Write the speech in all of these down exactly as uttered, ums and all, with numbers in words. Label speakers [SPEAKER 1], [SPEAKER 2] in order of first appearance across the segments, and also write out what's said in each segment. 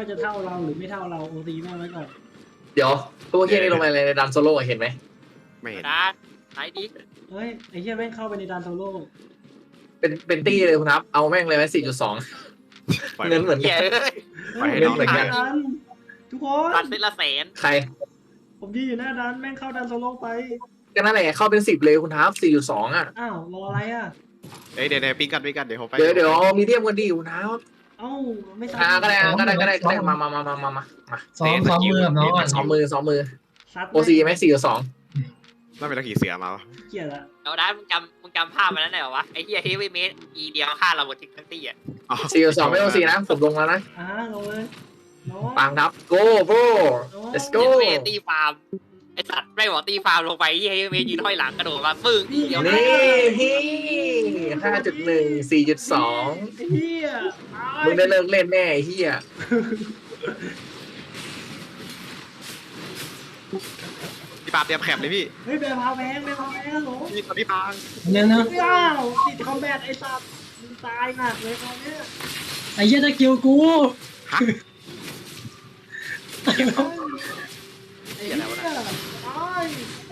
[SPEAKER 1] ว่าจะเท่าเราหรือไม่เท่าเราโอซีแม่งไว้ก่อน
[SPEAKER 2] เดี๋ยวตัวเฮียนี่ลงไปในดันโซโล่เห็นไหม
[SPEAKER 3] ไม่เห็น
[SPEAKER 4] นะไหนดิ
[SPEAKER 1] เฮ้ยไอ้เหี้ยแม่งเข้าไปในดันโซโล่
[SPEAKER 2] เป็นเป็นตี้เลยคุณครับเอาแม่งเลยไหมสี่จุดสองเงินเหมือน
[SPEAKER 4] เหี้
[SPEAKER 2] กั
[SPEAKER 4] ย
[SPEAKER 2] น
[SPEAKER 4] เอ้ย
[SPEAKER 3] ไปให้
[SPEAKER 2] เฮ้ย
[SPEAKER 3] น้องเลย
[SPEAKER 2] เหมื
[SPEAKER 3] กั
[SPEAKER 2] อน น
[SPEAKER 1] ดันทุกคน
[SPEAKER 4] ตัดเซตละแสน
[SPEAKER 2] ใคร
[SPEAKER 1] ผมยืนอยู่หน้าดันแม่งเข้าดันโซโล่ไป
[SPEAKER 2] ก็นั่นแหละเข้าเป็นสิบเลยคุณครับสี่จุดสองอ่ะ
[SPEAKER 1] อ้าวรออะไรอ่ะ
[SPEAKER 3] เอ้ยเดี๋ยวเดี๋ยวปิ้งกันปิ้งกันเดี๋ยวผมไป
[SPEAKER 2] เดี๋ยวเดี๋ยวมีเทียมกันดีคุณครับ
[SPEAKER 1] เอ้าไม่
[SPEAKER 2] อ่าก็ได้ก็ได้ก็ได้ก็ได้มามามามามามามา
[SPEAKER 5] ซ้อมซ้อมมือกับน้องก่อน
[SPEAKER 2] สองมือสองมือ
[SPEAKER 1] ซัด
[SPEAKER 2] โอซีไหมสี่จุดสอง
[SPEAKER 3] ไม่เป็นตะขี่เสือมาวะ
[SPEAKER 1] เกลียดละ
[SPEAKER 4] เอาได้มึงจำมึงจำภาพมันนั้นได้เหรอวะไอ้เหี้ยเฮฟวี่เมทอีเดียวฆ่าเราหมดทั้งตี้อ่ะ
[SPEAKER 2] สี่จุดสองไม่โอซีนะผมลงแล้วนะ
[SPEAKER 1] อ่าลงเลยน้อง
[SPEAKER 2] ปังครับ go bro let's go
[SPEAKER 4] เมทตีฟาร์มไอ้สัตว์ไม่บอกตีฟาร์มลงไปเฮฟวี่เมทยืนห้อยหลังกระโดดมาปึ้งเดียว
[SPEAKER 2] นี่ฮีห้าจุดหนึ่งสี่จุดสอง
[SPEAKER 1] ไอ้เหี้ยตาย
[SPEAKER 2] มึงได้เลิกเล่นแน่ไอ้เฮีย
[SPEAKER 3] พี่ปาเตรียมแคปเลยพี่
[SPEAKER 1] เฮ้ยแบร์พาวแพงแบร์พาวแพงฮัลโหล
[SPEAKER 3] พี่พี่ปาง
[SPEAKER 5] เนี่ยนะ
[SPEAKER 1] อ้าวติดคอมแบทไอ้สัตว์มึงตายหนักเลยตอนเนี้ย
[SPEAKER 5] ไอ้เหี้ยตะกิ้วกู
[SPEAKER 3] ฮะ
[SPEAKER 1] ไอ้เหี้ย
[SPEAKER 4] เหี้ยอะไรวะนะ
[SPEAKER 1] ตาย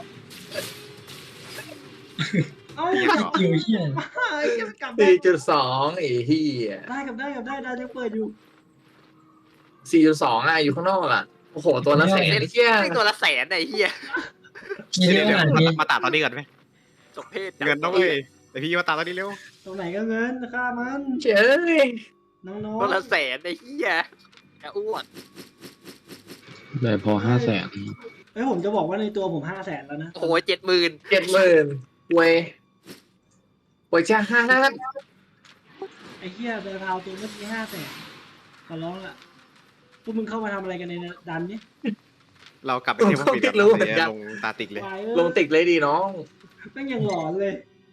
[SPEAKER 1] เอ้า
[SPEAKER 5] ตะกิ้วเหี้ย
[SPEAKER 1] ไอ้เหี้ยกลับได้
[SPEAKER 2] สี่จุดสองไอ้เฮีย
[SPEAKER 1] ได้กลับได้กลับได้ได้ยังเปิดอยู่
[SPEAKER 2] สี่จุดสองอ่ะอยู่ข้างนอกอ่ะโอ้โหตัวละแสนไอ้เฮีย
[SPEAKER 4] ไม่ตัวละแสนไอ้เหี้ย
[SPEAKER 5] มีเย
[SPEAKER 3] เดี๋ยว
[SPEAKER 5] อะ
[SPEAKER 3] เดี๋ยว
[SPEAKER 5] ขนาดนี้
[SPEAKER 3] มาตัดตอนนี้ก่อนไหม
[SPEAKER 4] จบเพศจั
[SPEAKER 3] เงินต้องเลยแต่พี่มาตัดตอนนี้เร็ว
[SPEAKER 1] ตรงไหนก็เงินค่ามัน
[SPEAKER 2] เจ้ย
[SPEAKER 1] น้อง
[SPEAKER 4] ตัวละ
[SPEAKER 1] ๆ
[SPEAKER 4] แสนไอ้เหี้ยแกอ้วน
[SPEAKER 6] เลยพอห้าแสน
[SPEAKER 1] เฮ้ยผมจะบอกว่าในตัวผมห้าแสนแล้วนะ
[SPEAKER 4] โอ้โหเจ็ดหมื่น
[SPEAKER 2] เจ็ดหมื่นเว้ยเว้ยจ้าห้า
[SPEAKER 1] ไอ้เหี้ยแบร์พาวตัวเมื่อกี้ห้าแสนขอร้องละพวกมึงเข้ามาทำอะไรกันในดันนี้
[SPEAKER 3] เรากลับไปเที่ยวปิดแล้วเดี๋ยวลงตาติกเลย
[SPEAKER 1] วาย
[SPEAKER 2] ล
[SPEAKER 1] เอ้
[SPEAKER 2] ง
[SPEAKER 1] ย
[SPEAKER 2] ติกเลยดีน้อง
[SPEAKER 1] แม่งยังหลอนเลย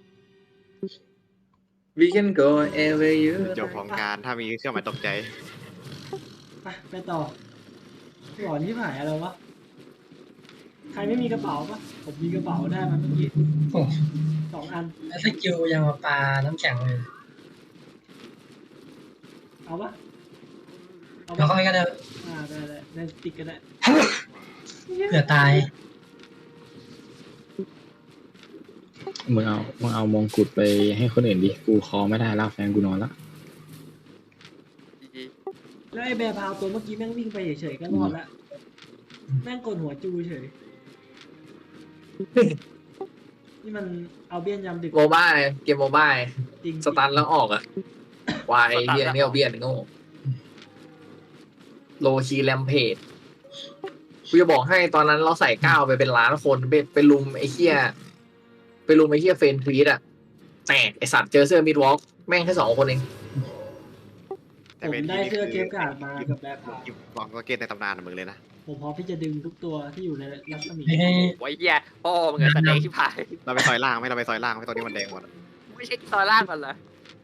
[SPEAKER 2] we can go ever you
[SPEAKER 3] จบของการถ้ามีเครื่องหมายตกใจ
[SPEAKER 1] ไปไปต่อหลอนที่หายอะไรวะ ใครไม่มีกระเป๋าปะผมมีกระเป๋าได้มาเมื่อกี้
[SPEAKER 5] โอ้
[SPEAKER 1] สองอัน
[SPEAKER 5] แล้วตะกิ้วยังมาปลาน้ำแข็งเลย
[SPEAKER 1] เอาปะเอา
[SPEAKER 5] แล้ว
[SPEAKER 1] ปะ
[SPEAKER 5] ค่อยก็ได้
[SPEAKER 1] อ่าได้ได้ได้ติกก็ได้
[SPEAKER 5] เผื่อตาย
[SPEAKER 6] มึงเอามึงเอามงกุฎไปให้คนอื่นดิ กูคอไม่ได้แล้วแฟนกูนอนละ
[SPEAKER 1] แล้วไอ้แบร์พาวตัวเมื่อกี้แม่งวิ่งไปเฉยๆก็รอดละแม่งกดหัวจูเฉย นี่มันเอาเบี้ยนยำดึก
[SPEAKER 2] โมบายเกมโมบาย
[SPEAKER 1] จริง
[SPEAKER 2] สตันแล้วออกอ่ะวายเฮียนี่เอาเบียนโง่โลคีแรมเพจกูจะบอกให้ตอนนั้นเราใส่ก้าวไปเป็นล้านคนไปไปลุมไอ้เฮียไปลุมไอ้เฮียเฟนทวีตอ่ะแตกไอสัตว์เจอเสื้อมิดวอล์กแม่งแค่สองคนเอง
[SPEAKER 1] ผมได้เสื้อเกมการ์ดมากับแบร์พาว
[SPEAKER 3] วางก็เกตในตำนานมึงเลยนะ
[SPEAKER 1] ผมพร้อมที่จะดึงทุกตัวที่อยู่ในรัศมี
[SPEAKER 5] ให้ให้
[SPEAKER 4] ไว้เหี้ยพ่อมึงอะแสดงชิบหาย
[SPEAKER 3] เราไปซอยล่างไหมเราไปซอยล่างไหมตอนนี้มันแดงหมด
[SPEAKER 4] ไม่ใช่ซอยล่างมันเหรอ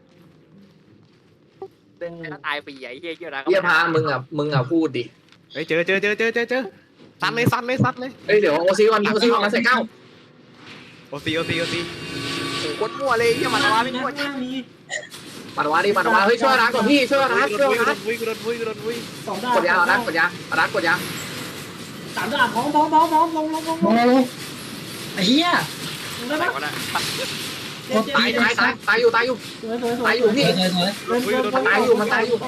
[SPEAKER 4] ถ้าตายไปใหญ่เหี้ยเยอะนะ
[SPEAKER 2] เฮียพามึงอ่ะมึงอ่ะพูดดิ
[SPEAKER 3] เฮ้ยเจอเจอเจอเจอเจอเจอซัดเลยซัดเลยซัดเลย
[SPEAKER 2] เอ้ยเดี๋ยวโอซีวันโอซีวันมาใส่ก้าว
[SPEAKER 3] โอซีโอซีโอซี
[SPEAKER 4] โคตรมั่วเลยเหี้ยมันว่าไม่
[SPEAKER 1] นะ
[SPEAKER 4] มั่ว
[SPEAKER 1] ข้างนี้
[SPEAKER 2] ปัดวาดิปัดวาเฮ้ยช่วยรักก่อนพี่ช่วยรักช่วย
[SPEAKER 3] กูโด
[SPEAKER 2] รัก
[SPEAKER 3] นวุ้ยกูโดนวุ้ยกูโดนวุ้ย
[SPEAKER 1] สองดาว
[SPEAKER 2] กดยาเอารักกดยารักกดยา
[SPEAKER 1] สามดาวพร้อมพร้อมพร้อมพร้อมลงลงลงล
[SPEAKER 5] โอ้
[SPEAKER 1] ง
[SPEAKER 5] โหไอ้เหี้ย
[SPEAKER 1] ลงได้
[SPEAKER 4] ไหน
[SPEAKER 1] ปะ
[SPEAKER 4] วะน่ะ
[SPEAKER 1] เจ็บเจ็บ
[SPEAKER 2] ตายตายตายตายอยู่ตายอยู่
[SPEAKER 1] สวยสวยสวย
[SPEAKER 2] ตายอยู่พี่
[SPEAKER 5] ถอยถอยถอย
[SPEAKER 1] เดินเดิน
[SPEAKER 2] มันตายอยู่มันตายอยู่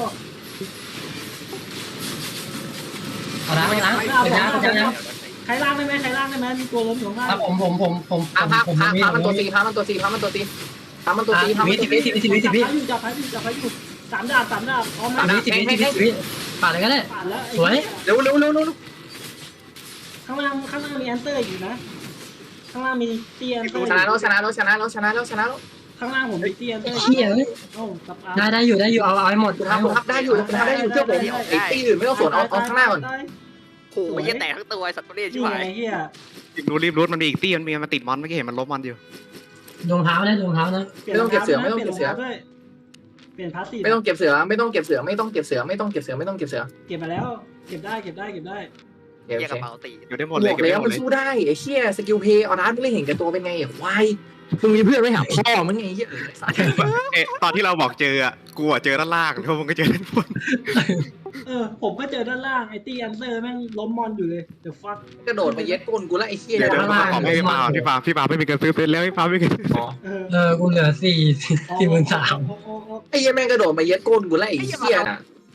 [SPEAKER 5] เอาล้างล้างเป็นยาเป็นยา
[SPEAKER 1] ใครล่างได้ไหมใครล่างได้ไหมมีตัวล้มอยู่ข้างล่าง
[SPEAKER 5] ครับผมผมผมผมผ
[SPEAKER 2] พาม พา
[SPEAKER 5] ผม
[SPEAKER 2] พา
[SPEAKER 5] มี
[SPEAKER 2] พามัน
[SPEAKER 5] ผ
[SPEAKER 2] ตัว
[SPEAKER 5] ม
[SPEAKER 2] ตี
[SPEAKER 5] มี
[SPEAKER 2] พามันตัวตีพามันตัวตีพามันตัวตีพามัน
[SPEAKER 5] วิ
[SPEAKER 2] ตัว
[SPEAKER 5] สิบ
[SPEAKER 2] ตี
[SPEAKER 5] วิสิบวิสิบวิสิบวิ
[SPEAKER 1] จับพาอยู่จับพาอยู่สามดาบสามดาบพร้อมไหม
[SPEAKER 5] สิบวิสิบวิสิบวิสิบวิผ่านเลยก็ได้
[SPEAKER 1] ผ่านแล้ว
[SPEAKER 5] สวย
[SPEAKER 2] เร็วเร็วเร็วเร็ว
[SPEAKER 1] ข้างล่างข้างล่างมีแอนเตอร์อยู่นะข้างล่างมีเตียนเตอร์
[SPEAKER 2] ชนะแล้วชนะแล้วชนะแล้วชนะแล้วชนะแล้ว
[SPEAKER 1] ข้างล่างผมมีเตียนเตอร์
[SPEAKER 5] เหี้ยเอ้ย
[SPEAKER 1] โอ้ตับอา
[SPEAKER 5] ได้ได้อยู่ได้อยู่เอาเอาให้หมด
[SPEAKER 2] คุณทับคุณทับได้อยู่คุณทับได้อยู่เชื่อผมไอ้ตีอื่นไม่ต้องสวนเอาเอาข้างหน้าก่อน
[SPEAKER 4] โอ้โหเหี้ยแตกทั้งตัวไอ้สัตว์ตัวเลี้ยชิบ
[SPEAKER 1] นี่
[SPEAKER 4] หา
[SPEAKER 1] ไง
[SPEAKER 4] ย
[SPEAKER 1] เฮีย
[SPEAKER 3] รีบรู้รีบรู้มันมีอีกตี้มันมีมันติดมอนเมื่อกี้เห็นมันลบมอนอยู่
[SPEAKER 5] รองเท้านะรองเท้านะ
[SPEAKER 2] ไม่ต้องเก็บเสือไม่ต้องเก็บเสือ
[SPEAKER 1] เปลี่ยนพาสซีฟ
[SPEAKER 2] ไม่ต้องเก็บเสือไม่ต้องเก็บเสือไม่ต้องเก็บเสือไม่ต้องเก็บเสือไม่ต้องเก็บเสือ
[SPEAKER 1] เก็บมาแล้ว เก็บได้เก็บได้เก็บได้
[SPEAKER 2] เดี๋ยว
[SPEAKER 4] เหี้ยก
[SPEAKER 2] โอ
[SPEAKER 4] ระ
[SPEAKER 2] เค
[SPEAKER 4] เป๋าตี
[SPEAKER 3] อยู่ได้หมด
[SPEAKER 2] บ
[SPEAKER 3] เลย
[SPEAKER 2] อก
[SPEAKER 3] เก็บ
[SPEAKER 2] แล้ว
[SPEAKER 3] ได้หม
[SPEAKER 2] มั
[SPEAKER 3] ด
[SPEAKER 2] น
[SPEAKER 3] เลย
[SPEAKER 2] สู้ได้ไอ้เชี่ยสกิลเพย์เอาร้านไม่เห็นแก่ตัวเป็นไงควายมึงมีเพื่อนไม่หาพ่อมึงไงเหี้ยเออไอ้สัตว์
[SPEAKER 3] เอ๊ะตอนที่เราบอกเจออ่ะกูอ่ะเจอด้านล่างแล้วมึงก็เจอด้านบน
[SPEAKER 1] เออผมก็เจอด้านล่างไอ้ตี้อันเซอร์แม่งล้มมอนอยู่เลยเดี๋ยวฟัก
[SPEAKER 2] กระโดดมาเย็ดก้นกูแล้วไอ้เหี้ย
[SPEAKER 3] เดี๋ยวเดี๋ยวมาขอให้พี่ปาพี่ปาพี่ปาไม่มีเงินซื้อเฟซแล้วพี่ปาไม่มีเงินซื้อ
[SPEAKER 2] อ๋อ
[SPEAKER 1] เออ
[SPEAKER 5] เออกูเหลือสี่สี่หมื่นสาม
[SPEAKER 1] โอ้โอ้โอ้
[SPEAKER 2] ไอ้เหี้ยแม่งกระโดดมาเย็ดก้นกูแล้วไอ้เหี้ย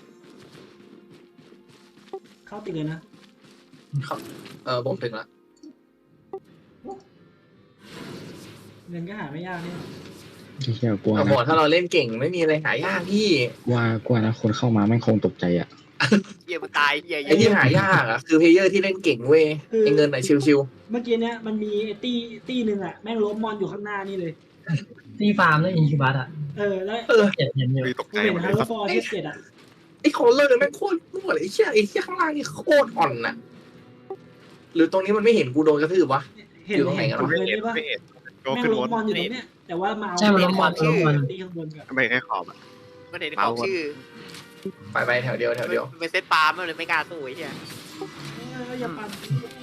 [SPEAKER 1] เข้าติดเลยนะ
[SPEAKER 2] เออผมถึงละ
[SPEAKER 1] เงินก็หาไม่ยากนี่
[SPEAKER 6] เฮียกลัว
[SPEAKER 2] แต่
[SPEAKER 6] นะ
[SPEAKER 2] บอกถ้าเราเล่นเก่งไม่มีอะไรหายากพี่
[SPEAKER 6] กลัวกลัวนะคนเข้ามาแม่งคงตกใจอ่ะ
[SPEAKER 4] เหี้ยมึงตายเหี้ย
[SPEAKER 2] ไอ้ที่หายากอ่ะคือเพลเยอร์ที่เล่นเก่งเว้ยไอ้เงินไหนชิว
[SPEAKER 1] เมื่อกี้เนี้ยมันมีไอ้ตี้ตี้หนึ่งอ่ะแม่งล้มมอนอยู่ข้างหน้านี่เลย
[SPEAKER 5] ตีฟาร์มแล้วอินคิวบัสอ่ะ
[SPEAKER 1] เออแล้ว
[SPEAKER 2] ๆเออ
[SPEAKER 5] เจ็ดเห็นอยู่
[SPEAKER 3] พี่ตก
[SPEAKER 1] กู
[SPEAKER 3] ใจ
[SPEAKER 1] เห็น
[SPEAKER 3] หมดเล
[SPEAKER 1] ฮั
[SPEAKER 3] ย
[SPEAKER 1] ลโหล
[SPEAKER 3] ครับ
[SPEAKER 1] ฟอร์ที่เจ็ดอ่ะ
[SPEAKER 2] ไอ้คอลเลอร์แม่งโคตรมั่วเลยไอ้เชี่ยไอ้เชี่ยข้างล่างนี่โคตรอ่อนน่ะหรือตรงนี้มันไม่เห็นกูโดนกระทืบวะ
[SPEAKER 1] เห็น
[SPEAKER 2] อยู่ตรงไหน
[SPEAKER 1] เห็น
[SPEAKER 2] กัน
[SPEAKER 1] ผม
[SPEAKER 2] วะ
[SPEAKER 1] เลย
[SPEAKER 3] ไม่เห็น
[SPEAKER 1] ได้ปะ
[SPEAKER 3] ไม่เห็นโดน
[SPEAKER 1] แม่ง
[SPEAKER 3] ขึ้น
[SPEAKER 1] ล้
[SPEAKER 3] บ
[SPEAKER 1] ม
[SPEAKER 3] น
[SPEAKER 1] มอนอยู่ตรงเนี้ยแต่ว่ามาเอา
[SPEAKER 5] ใช่มันล้มมอน
[SPEAKER 1] ตี
[SPEAKER 5] ล้มมอน
[SPEAKER 1] ตีข้างบนก่อน
[SPEAKER 3] ไม่ให้ขอบอ่ะ
[SPEAKER 4] มันเห็นของชื่อ
[SPEAKER 2] ไปไปแถวเดียวแถวเดียว
[SPEAKER 4] เป็นเซตปาล์มมันเลยไม่กล้าสู้ไอ้เหี้ย
[SPEAKER 1] เอออย่าปั่น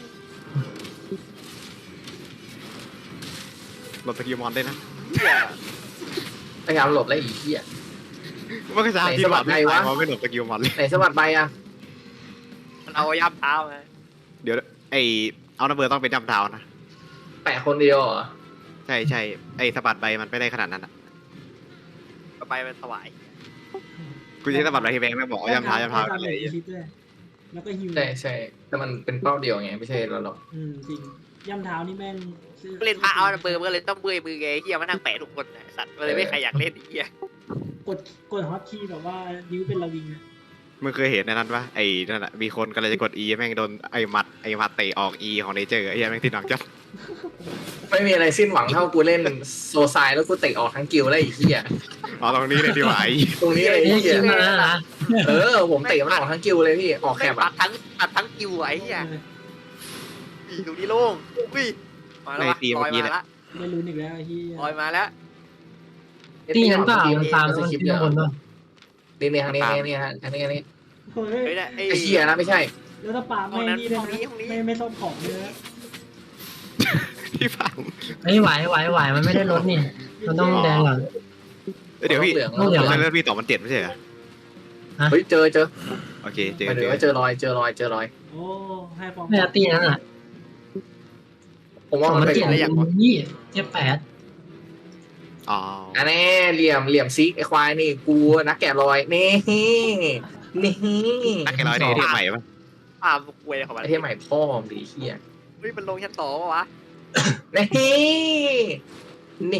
[SPEAKER 3] หลบสกิลมอนได้นะ
[SPEAKER 4] เหี้ย
[SPEAKER 2] พยายามหลบแล้วไอ้เหี้ย
[SPEAKER 3] มันก็จะ
[SPEAKER 2] ไหน
[SPEAKER 3] ที่
[SPEAKER 2] ส
[SPEAKER 3] ห
[SPEAKER 2] วั
[SPEAKER 3] ล
[SPEAKER 2] ส
[SPEAKER 3] บ
[SPEAKER 2] ดี
[SPEAKER 3] ไม่
[SPEAKER 2] วะ
[SPEAKER 3] ตายเพราะไม่หลบสกิลมอนเลย
[SPEAKER 2] ไหนสวัสดใบอ่ะ
[SPEAKER 4] มันเอาย่ำเท้าไง
[SPEAKER 3] เดี๋ยวไอเอาระเบิดต้องเป็นจำเท้านะ
[SPEAKER 2] แปะคนเดียวเหรอ
[SPEAKER 3] ใช่ใช่ไอสะบัดใบมันไม่ได้ขนาดนั้นอ่ะ
[SPEAKER 4] ต่อไปมันสวาย
[SPEAKER 3] กูจะใช้สะบัดใบที่แบงค์ไม่บอกว่าจำเท้าจำเท้า
[SPEAKER 1] แล้
[SPEAKER 3] อะไร
[SPEAKER 1] วคิดด้วยแล้วก็ฮิว
[SPEAKER 2] ใช่ใช่แต่มันเป็นเป้าเดียวไงไม่ใช่เราหรอก
[SPEAKER 1] อืมจริงย่ำเท้านี่แม่งซื้อ
[SPEAKER 4] เล่นพาเอาเบอร์มันก็เลยต้องเบื่อมือไงไอ้เหี้ยมันนั่งแปะทุกคนไอ้สัตว์มันเลยไม่ใครอยากเล่นไอ้เหี้ย
[SPEAKER 1] กดกดฮอตคีย์แบบว่านิ้วเป็นระวิงนะ
[SPEAKER 3] มึงเคยเห็นในนั้นปะไอ้นั่นอ่ะมีคนกำลังจะกด E แม่งโดนไอ้หมัดไอ้หมัดเตะออก E ของเนเจอร์ไอ้เหี้ยแม่งติดหนังจัด
[SPEAKER 2] ไม่มีอะไรสิ้นหวังเท่ากูเล่นโซไซแล้วกูเตะออกทั้งกิลแล้วไอ้เหี้ย
[SPEAKER 3] อ๋อตรงนี้เลยดีกว่าไอ้
[SPEAKER 2] ตรงนี้เลยไอ้
[SPEAKER 5] นี่
[SPEAKER 2] เหี้ย
[SPEAKER 5] คิวมาแล้วนะ
[SPEAKER 2] เออผมเตะมันออกทั้งกิลเลยพี่ออกแค
[SPEAKER 4] แม่
[SPEAKER 2] บ
[SPEAKER 4] งตั
[SPEAKER 2] อ่ะ
[SPEAKER 4] ดทั้งตัดทั้งกิวไอ้เหี้ย
[SPEAKER 1] เออ
[SPEAKER 4] อีดูนี่โล่งอุ้ยมาแล้ววะลอยมาแล้ว
[SPEAKER 1] ได้ลุ้นอีกแล้วไอ้ที่
[SPEAKER 4] ลอยมาแล้ว
[SPEAKER 5] ตีนั้นเปล่ามันตาม
[SPEAKER 2] ส
[SPEAKER 5] มัน
[SPEAKER 2] คริปต์
[SPEAKER 5] ตี
[SPEAKER 2] เย
[SPEAKER 5] ข้างบน
[SPEAKER 2] อะ
[SPEAKER 5] ป่ะ
[SPEAKER 2] นี่นี่ทางนี้นี่ฮะทางนี้ทางนี้
[SPEAKER 1] เฮ้ย
[SPEAKER 4] เฮ้ยนะไอ้
[SPEAKER 2] ไอ้เหี้ยนะไม่ใช่
[SPEAKER 1] แล้วถ้าปาไม่นี่เลยนะไม่ไม่ซ่อมของเลยนะ
[SPEAKER 3] ที่ฟัง
[SPEAKER 5] เฮ้ยไหวไหวไหวมันไม่ได้ลดนี่มันต้องแดงก่อน
[SPEAKER 3] เดี๋ยวพี่
[SPEAKER 2] เหลือง
[SPEAKER 5] ต้องเหลือง
[SPEAKER 3] แล้วพี่ต่อมันเจ็ดไม่ใช่เหรอ
[SPEAKER 2] เฮ้ยเจอเจอ
[SPEAKER 3] โอเคเจ
[SPEAKER 2] ห
[SPEAKER 3] อ
[SPEAKER 2] มาย
[SPEAKER 3] เจ
[SPEAKER 2] ถึง
[SPEAKER 3] อ
[SPEAKER 2] ว่าเจอรอยเจอรอยเจอรอย
[SPEAKER 1] โอ้ให้ฟอร์ม
[SPEAKER 5] ไม่ตีนั้นอ่ะ
[SPEAKER 2] ผมว่ามัน
[SPEAKER 5] มัน
[SPEAKER 2] เป็น
[SPEAKER 5] เจ็ด
[SPEAKER 2] ของ
[SPEAKER 5] ยี่เจ็ดแปด
[SPEAKER 3] อ๋อ
[SPEAKER 2] อันนี้เหลี่ยมเหลี่ยมซิกไอ้ควายนี่กูนักแกะรอยนี่นี่
[SPEAKER 3] นักแกะร้อยเนี่ยที่ใหม่ปะ
[SPEAKER 4] ปาล์มกวยของมัน
[SPEAKER 2] ไอ้เที่ยใหม่พ่อมดีเหี้ย
[SPEAKER 4] เฮ้ยมันลงชั้นสองวะ
[SPEAKER 2] นี่นี่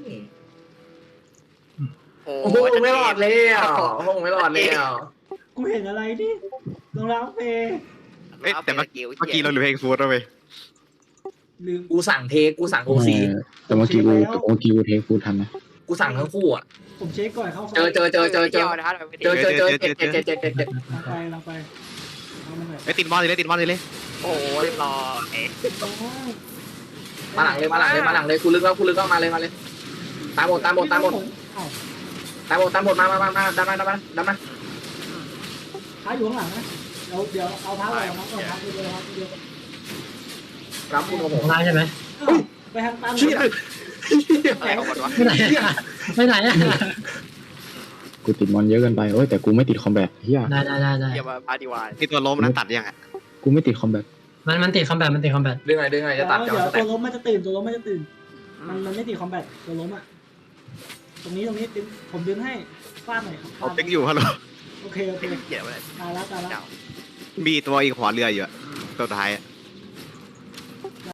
[SPEAKER 4] โอ้
[SPEAKER 2] โอ้โหไม่รอดเลยอ่ะโอ้โหไม่รอดเลยอ่ะ
[SPEAKER 1] กูเห็นอะไรนี่รองเท้าเฟย์
[SPEAKER 3] เอ้ยแต่เมื่อกี้เมื่อกี้เราเหลือเพลงฟูดแล้วเว้ย
[SPEAKER 1] ลืม
[SPEAKER 2] กูสั่งเทคกูสั่งโอซี
[SPEAKER 6] เออแต่เมื่อกี้กูแต่เมื่อกี้กูเทคกูทันนะ
[SPEAKER 2] กูสั่งทั้งคู่อ่ะ
[SPEAKER 1] ผมเช็คก่อนเข้าไฟ
[SPEAKER 2] เจอเจอเจอเจอเจอ
[SPEAKER 4] นะครับ
[SPEAKER 2] เจอเจอเจอเจ็ดเจ็ดเจ็ดเจ็ดเจ็ดเจ็ด
[SPEAKER 1] เราไปเราไปเอามาหน่อย
[SPEAKER 3] ไอ้ยติดมอนเลยติดมอนเลยเลย
[SPEAKER 4] โอ้โหเรียบร้อย
[SPEAKER 1] โอ้
[SPEAKER 2] มาหลังเลยมาหลังเลยมาหลังเลยกูลึกแล้วกูลึกแล้วมาเลยมาเลยตามหมดตามหมดตามหมด
[SPEAKER 1] เอ้า
[SPEAKER 2] ตามหมดตามหมดมามามามาดันมาดันมาดันมา
[SPEAKER 1] ท้าอยู่ข้างหลังนะเดี๋ยวเดี๋ยวเอาท้าไปเอาท้าเอาท้าไปเดียวครับเดียว
[SPEAKER 2] รับคุณโอ้โห
[SPEAKER 5] ของร้านใช่ไหม
[SPEAKER 1] เอ้าไปทางตัน
[SPEAKER 2] เชี่ย
[SPEAKER 4] อะไรของมันวะ
[SPEAKER 5] ไม่ไหนอะไม่ไหนอะ
[SPEAKER 6] กูติดมอนเยอะเกินไปโอ้ยแต่กูไม่ติดคอมแบทเฮีย
[SPEAKER 5] ได้ได้ได้ได้
[SPEAKER 4] เยี่ยมมาพาดีวาย
[SPEAKER 3] ที่ตัวล้มนั้นตัดยังอ่ะ
[SPEAKER 6] กูไม่ติดคอมแบท
[SPEAKER 5] มันมันติดคอมแบทมันติดคอมแบท
[SPEAKER 2] ดึงไงดึงไงจะตัด
[SPEAKER 1] เดี๋
[SPEAKER 2] จะ
[SPEAKER 1] ยว
[SPEAKER 2] ส
[SPEAKER 1] ตั
[SPEAKER 2] เต็
[SPEAKER 1] ว
[SPEAKER 2] ป
[SPEAKER 1] ล้มมันจะตื่นตัวล้มมันจะตื่น มันมันไม่ติดคอมแบทตัวล้มอ่ะ ตรงนี้ตรงนี้ดึงผมดึงให้ฟาดหน่อย
[SPEAKER 3] เอาเต็กอยู่ฮัลโหล
[SPEAKER 1] โอเคโอเค
[SPEAKER 4] เกี่ยวอะไร
[SPEAKER 1] ตายแล้วตายแล้ว
[SPEAKER 4] เจ้า
[SPEAKER 3] มีตัวอีกหัวเรืออยู่อะตัวท้ายอะ